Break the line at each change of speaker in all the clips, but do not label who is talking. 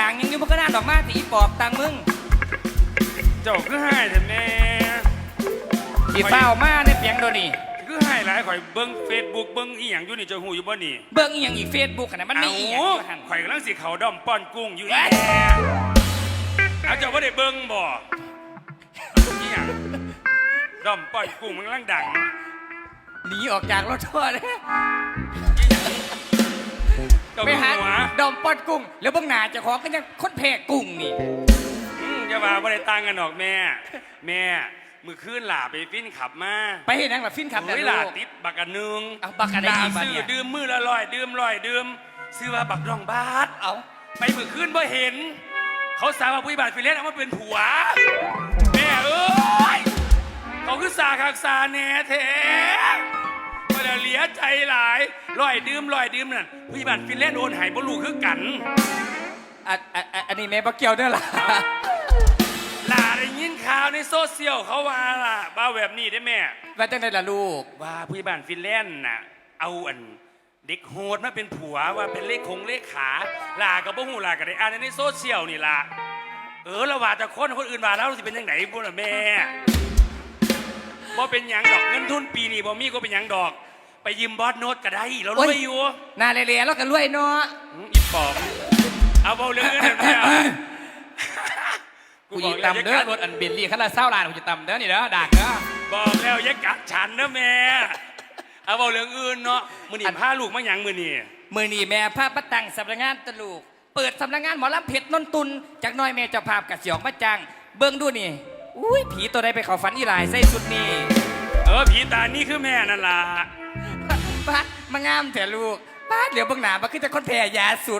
างยังอยู่มันก็น่าดอกมากตีปอบตังมึง
เจ้าคือให้แต่แม่
ตีเฝ้ามาในเปียงโดนี่
คือให้หลายข่อยเบิ้งเฟซบุ๊กเบิ้งอีหยังอยู่นี่เจ้าหูอยู่บ่นี่
เบิ้งอีหยังอีเฟซบุ๊กขนาดมันไม่อีหยังอยู่หัน
ข่อยกำลังสิเขาด้อมป้อนกุ้งอยู่อีเอาเจ้าว่าได้เบิ้งบ่อีหยังด้อมป้อนกุ้งมันกำลังดัง
หนีออกจากรถทัวร์เลย
ไปหา
ดอมป้อนกุ้งแล้วเบิ้งหน้าเจ้าของก็ยังคนแพ้กุ้งนี่
จะมาบ่ได้ตังกันหรอกแม่มือคืนหล่าไปฟินขับมา
ไปเห็นนังหล่ะฟินขับ
เวลาติดบักกันนึง
เอาบักกันได้ดี
ซื้อดื่มมือละ100ดื่มซื้อว่าบักรองบาท
เอา
ไปมือคืนบ่เห็นเขาสาวว่าผู้บาทฟิเลนเอามาเป็นผัวแม่เอ้ยเขาคือสาคักสาแน่แท้ก็จะเหลียใจหลาย100ดื่มนั่นผู้บาทฟิเลนโอนหายบ่รู้คือกัน
อันนี้แม่บ่เกี่ยวเด้อล่ะ
หลาได้ยินข่าวในโซเชียลเขาว่าล่ะบ้าแบบนี้ได้แม่
ว่าจังได๋ล่ะลูก
ว่าผู้บ้านฟินแลนด์น่ะเอาอันเด็กโหดมาเป็นผัวว่าเป็นเลขขาหลากับบ่ฮู้หลาก็ได้อ่านในโซเชียลนี่ล่ะแล้วว่าแต่คนอื่นว่าแล้วสิเป็นจังได๋พุ่นน่ะแม่บ่เป็นหยังดอกเงินทุนปีนี้บ่มีก็เป็นหยังดอกไปยืมบอสโน้ตก็ได้เรารวยอยู่
น่าเละๆแล้วก็รวยเนาะ
อีปอบเอาเบาเรื่องเงินแม่
กูจะตำเด้อรถอันเบลลี่ขั้นละ20 ล้านกูจะตำเด้อนี่เด้อดักเด้อ
บอกแล้วอย่ากัดฉันนะแม่เอาเบาเรื่องอื่นเนาะมื้อนี้พาลูกมาหยังมื้อ
นี้แม่พาป้าตังสำนักงานตะลูกเปิดสำนักงานหมอลำเพชรนนตุนจากน้อยแม่เจ้าภาพกับเสียงมาจังเบิ่งดูนี่อุ้ยผีตัวใดไปเข้าฝันอีหลายใส่ชุดนี้
ผีตานี่คือแม่นั่นล่ะ
ป้ามางามแต่ลูกป้าเหลียวเบิ่งหน้ามาคือจะคนแพ้ยาสุด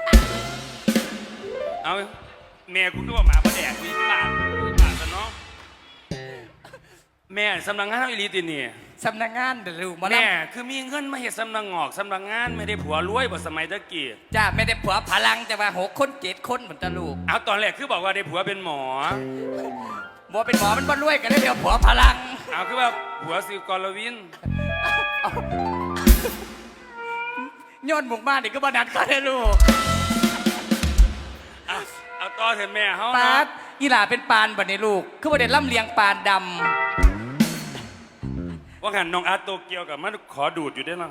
เอาแม่กูก็ว่าหมาบ่แดกมีปากซะเนาะแม่สำนักงานเอาอีหลีตินี่
สำนักงานเด้อลูก
แม่คือมีเงินมาเฮ็ดสำนักงอกสำนักงานไม่ได้ผัวรวยบ่สมัยตะกี้
จ้าไม่ได้ผัวพลังแต่ว่า6 คน7 คนเหมือนตะลูก
เอาตอนแรกคือบอกว่าได้ผัวเป็นหมอ
บ่เป็นหมอมันบ่รวยกันได้เดี๋ยวผัวพลัง
เอาคือว่าผัวสิกรวิน
ย้อนหมุกมานี่ก็บ่นัดก็ได้ลูก
เอาต่อเถอะแม่เฮา
ปาดอีหล่าเป็นปานบัดนี้ลูกคือบ่ได้ล่ำเลียงปานดำ
ว่างั้นน้องอาร์ตโตเกียวกับมันขอดูดอยู่ได้หรอ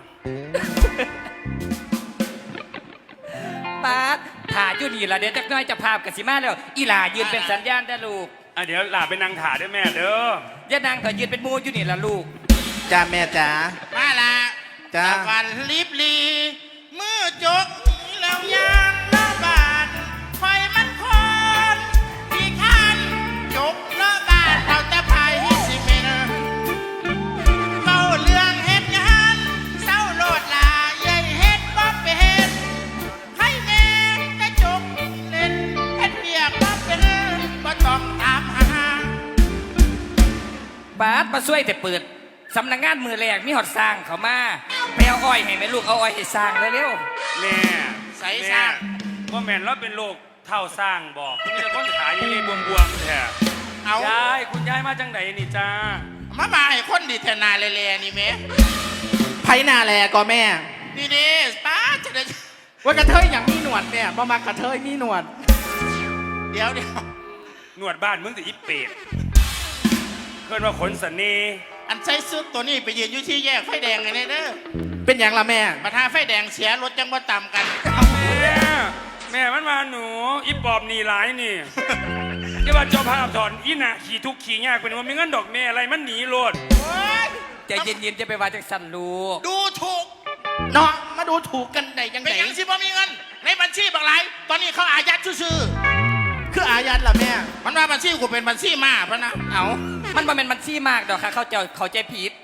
ปาดถ่าอยู่นี่ล่ะเดี๋ยวจักน้อยจะภาพกับสิมาแล้วอีหล่ายืนเป็นสัญญาณได้ลูก
เดี๋ยวหล่าเป็นนางถ่าด้วยแม่เด้
อย่านางก็ยืนเป็นมูอยู่นี่ล่ะลูก
จ้าแม่จ๋า
มาละ
จ้า
วันลิบลีมือจกแล้วยางละบาดไฟมันคอนที่คันจกละบาดเอาแต่พายฮิสิเมนเมาเรื่องเฮ็ดงานเศร้าโลดลาใหญ่เฮ็ดบ่เป็นให้แม่แต่จกเล่นเฮ็ดเบียกบ่เป็นบ่ต้องตามหา
บาดมาช่วยแต่เปิดสำนักงานมือแรกมีหอดสร้างเขามาไปเอาอ้อยให้แม่ลูกเอาอ้อยให้สร้างเร็ว
ๆแม่
ใส่สร้าง
ว่าแม่เราเป็นโรคเท่าสร้างบอกมีแต่คนขายยังเลยบวมๆแท้
เอา
ยายคุณยายมาจังไหนนี่จ้า
มาให้คนดีเทนาเลนี่แม่
ไผ่นาแลก็แม่
นี่ป้าจะได้
ว่ากระเทยอย่างมีหนวดเนี่ยบ่มากระเทยมีหนวด
เดี๋ยว
หนวดบ้านมึงแต่อีเป็ดเพื่อนว่าขนสันนี
อันใส่ซุดตัวนี้ไปยืนอยู่ที่แยกไฟแดงไงเด้อ
เป็นอย่างละแม่
มาทาไฟแดงเสียรถจังว่าต่ำกัน
แม่มันมาหนูอีปอบหนีหลายนี่จะว่าเจ้าภาพถอนอีน่ะขี่ทุกขี่ยากเป็นว่ามีเงินดอกแม่อะไรมันหนีโลด
ใจเย็นๆจะไปว่าจังสันลูก
ดูถูก
เนาะมาดูถูกกันได้ยังไง
เป็นยังสิบ่มีเงินในบัญชีบางไรตอนนี้เขาอายัดชื่อ
คืออายัดล่ะแม่
มันว่าบัญชีกูเป็นบัญชีมาเพราะนะ
เอามันบ่เป็นบัญชีมากดอกค่ะเขาใจผิด